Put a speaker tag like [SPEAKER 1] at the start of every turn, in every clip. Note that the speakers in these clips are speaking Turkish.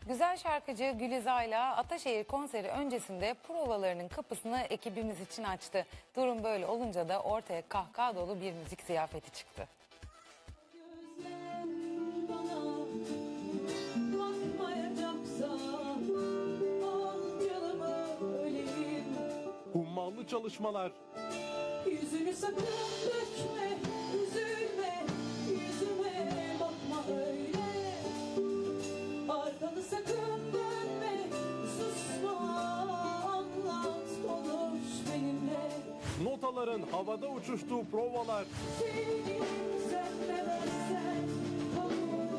[SPEAKER 1] Güzel şarkıcı Gülizar'la Ataşehir konseri öncesinde provalarının kapısını ekibimiz için açtı. Durum böyle olunca da ortaya kahkaha dolu bir müzik ziyafeti çıktı.
[SPEAKER 2] Gözlerim bana bakmayacaksa al canımı öleyim.
[SPEAKER 3] Hummalı çalışmalar,
[SPEAKER 2] Yüzünü sakın dökme, üzülme, yüzüme bakma öyle. Arkanı sakın dönme, susma, anlat, konuş benimle.
[SPEAKER 3] notaların havada uçuştuğu provalar,
[SPEAKER 2] Seni sevmezsen kabul,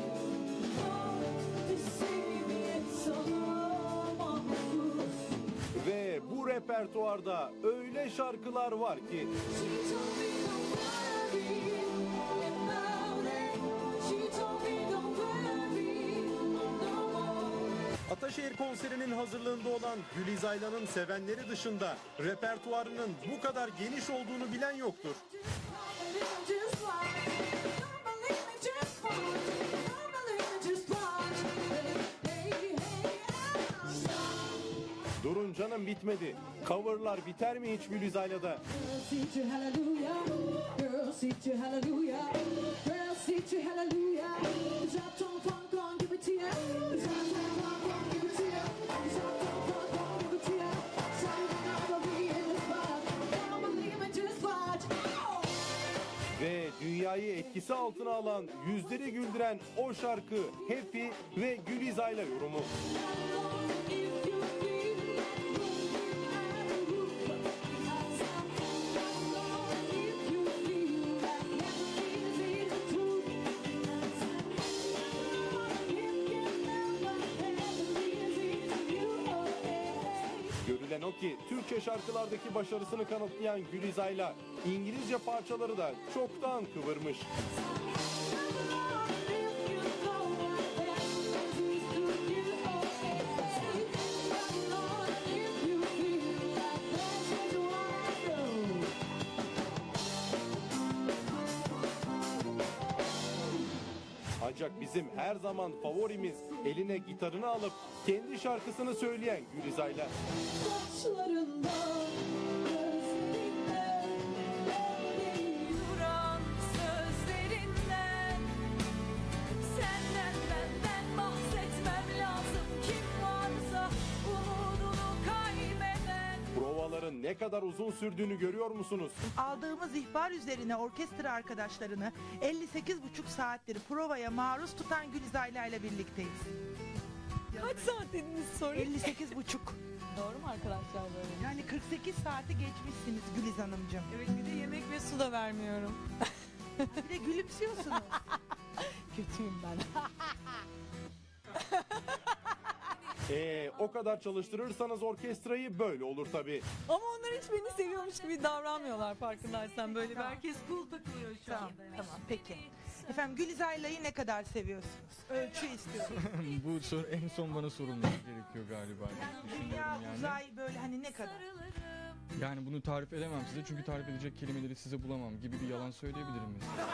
[SPEAKER 2] teslimiyet sana mahsus.
[SPEAKER 3] ve bu repertuarda öyle şarkılar var ki
[SPEAKER 2] She told me don't worry about it. She told me don't worry no more.
[SPEAKER 3] Ataşehir konserinin hazırlığında olan Gülizar'ın sevenleri dışında repertuarının bu kadar geniş olduğunu bilen yoktur.
[SPEAKER 2] Just watch, don't believe me, just watch, don't believe me, just watch. Hey, hey, hey,
[SPEAKER 3] Durun canım, bitmedi. Coverlar biter mi hiç Gülizar'da?
[SPEAKER 2] Girl, sing to hallelujah. Girl, sing to hallelujah. Girl, sing to hallelujah. Drop tone funk on, give it to ya. Drop tone funk on, give it to ya. Drop tone funk on, give it to ya. Something I'll be in the spot. Don't believe me, just watch. Oh!
[SPEAKER 3] Ve dünyayı etkisi altına alan, yüzleri güldüren o şarkı Happy ve Gülizar'la yorumu.
[SPEAKER 2] If you feel like moving out of roof, if you feel like never is the truth, if you never is you.
[SPEAKER 3] Görülen o ki Türkçe şarkılardaki başarısını kanıtlayan Gülizar'la İngilizce parçaları da çoktan kıvırmış. Ancak bizim her zaman favorimiz eline gitarını alıp kendi şarkısını söyleyen Gülizar'la.
[SPEAKER 2] Saçlarından, gözlerinden,
[SPEAKER 4] Duran sözlerinden, senden benden bahsetmem lazım. Kim varsa umudunu kaybeden.
[SPEAKER 3] Provaların ne kadar uzun sürdüğünü görüyor musunuz?
[SPEAKER 5] Aldığımız ihbar üzerine orkestra arkadaşlarını 58,5 saattir provaya maruz tutan Gülizar'la ile birlikteyiz.
[SPEAKER 4] Kaç saat dediniz sorayım?
[SPEAKER 5] 58,5.
[SPEAKER 4] Doğru mu arkadaşlar böyle?
[SPEAKER 5] Yani 48 saati geçmişsiniz Güliz Hanımcığım.
[SPEAKER 4] Evet, bir de yemek ve su da vermiyorum.
[SPEAKER 5] Bir de gülümsüyorsunuz.
[SPEAKER 4] Kötüyüm ben.
[SPEAKER 3] O kadar çalıştırırsanız orkestrayı böyle olur tabii.
[SPEAKER 4] Ama onlar hiç beni seviyormuş gibi davranmıyorlar, farkındaysan. Böyle bir herkes cool takılıyor şu
[SPEAKER 5] Tamam,
[SPEAKER 4] anda.
[SPEAKER 5] tamam peki. Efendim Gülizar'la'yı ne kadar seviyorsunuz? Ölçü istiyorum.
[SPEAKER 6] Bu soru en son bana sorulması gerekiyor galiba. Düşünüyorum
[SPEAKER 5] Dünya,
[SPEAKER 6] yani.
[SPEAKER 5] uzay böyle hani ne kadar?
[SPEAKER 6] Yani bunu tarif edemem size çünkü tarif edecek kelimeleri size bulamam gibi bir yalan söyleyebilirim mesela.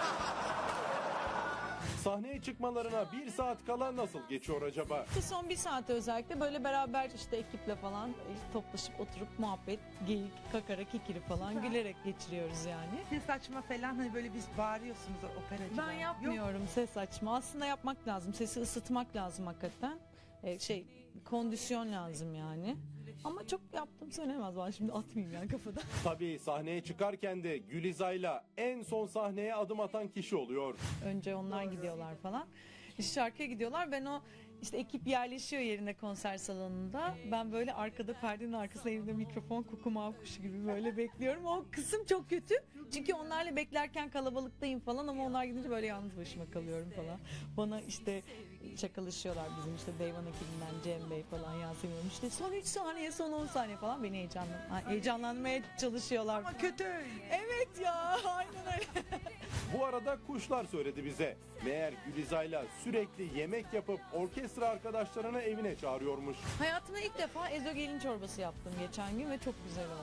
[SPEAKER 3] Sahneye çıkmalarına 1 saat kala nasıl geçiyor acaba?
[SPEAKER 4] İşte son bir saate özellikle böyle beraber işte ekiple falan toplaşıp oturup muhabbet, geyik, kakara, kikiri falan gülerek geçiriyoruz yani.
[SPEAKER 5] Ses açma falan hani böyle biz bağırıyorsunuz operacılar.
[SPEAKER 4] Ben
[SPEAKER 5] Yok.
[SPEAKER 4] yapmıyorum ses açma. Aslında yapmak lazım. Sesi ısıtmak lazım hakikaten. Kondisyon lazım yani. Ama çok yaptım söylemez, ben şimdi atmayayım yani kafada.
[SPEAKER 3] Tabii sahneye çıkarken de Gülizar'la en son sahneye adım atan kişi oluyor.
[SPEAKER 4] Önce onlar gidiyorlar falan. İşte şarkıya gidiyorlar. Ben o işte ekip yerleşiyor yerine konser salonunda. Ben böyle arkada perdenin arkasında elimde mikrofon kukumav kuşu gibi böyle bekliyorum. O kısım çok kötü. Çünkü onlarla beklerken kalabalıktayım falan ama onlar gidince böyle yalnız başıma kalıyorum falan. Bana işte şakalaşıyorlar bizim işte Deyvan ekibinden Cem Bey falan, Yasemin Hanım işte son 3 saniye son 10 saniye falan beni heyecanlanmaya çalışıyorlar.
[SPEAKER 5] Ama kötü öyle.
[SPEAKER 4] Evet ya, aynen öyle.
[SPEAKER 3] Bu arada kuşlar söyledi bize. Meğer Gülizar'la sürekli yemek yapıp orkestra arkadaşlarını evine çağırıyormuş.
[SPEAKER 4] Hayatımda ilk defa ezogelin çorbası yaptım geçen gün ve çok güzel oldu.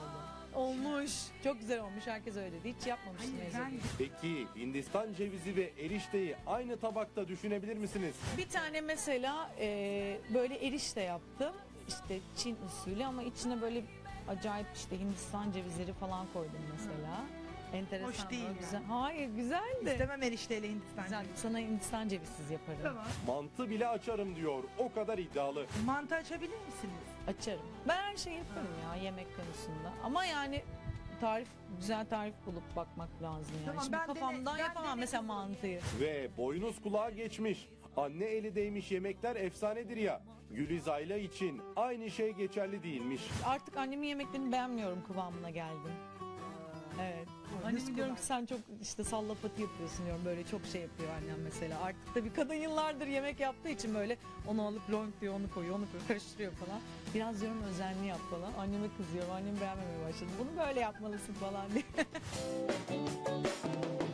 [SPEAKER 4] Olmuş. Çok güzel olmuş. Herkes öyle dedi. Hiç yapmamıştım
[SPEAKER 5] Ben
[SPEAKER 4] Ezgi.
[SPEAKER 3] Peki Hindistan cevizi ve erişteyi aynı tabakta düşünebilir misiniz?
[SPEAKER 4] Bir tane mesela böyle erişte yaptım. İşte Çin usulü ama içine böyle acayip işte Hindistan cevizleri falan koydum mesela. Enteresan.
[SPEAKER 5] Hoş değil
[SPEAKER 4] böyle
[SPEAKER 5] yani.
[SPEAKER 4] güzel. Hayır güzel de.
[SPEAKER 5] istemem erişteyle Hindistan
[SPEAKER 4] Güzel.
[SPEAKER 5] cevizi.
[SPEAKER 4] Sana Hindistan cevizsiz yaparım.
[SPEAKER 5] Tamam.
[SPEAKER 3] Mantı bile açarım diyor. O kadar iddialı.
[SPEAKER 5] Mantı açabilir misiniz?
[SPEAKER 4] Açarım. Ben her şeyi yaparım ya yemek konusunda. Ama yani güzel tarif bulup bakmak lazım yani.
[SPEAKER 5] Tamam,
[SPEAKER 4] Şimdi
[SPEAKER 5] ben
[SPEAKER 4] kafamdan
[SPEAKER 5] ben
[SPEAKER 4] yapamam mesela mantıyı.
[SPEAKER 3] Ve boynuz kulağa geçmiş. Anne eli değmiş yemekler efsanedir ya. Gülizayla için aynı şey geçerli değilmiş.
[SPEAKER 4] Artık annemin yemeklerini beğenmiyorum kıvamına geldim. Evet. Anneme diyorum ki sen çok işte sallapati yapıyorsun diyorum. Böyle çok şey yapıyor annem mesela. Artık da bir kadın yıllardır yemek yaptığı için böyle onu alıp long diyor, onu koyuyor, onu koyuyor, karıştırıyor falan. Biraz diyorum özenli yap falan. Anneme kızıyorum. Annem beğenmemeye başladı. Bunu böyle yapmalısın falan diye.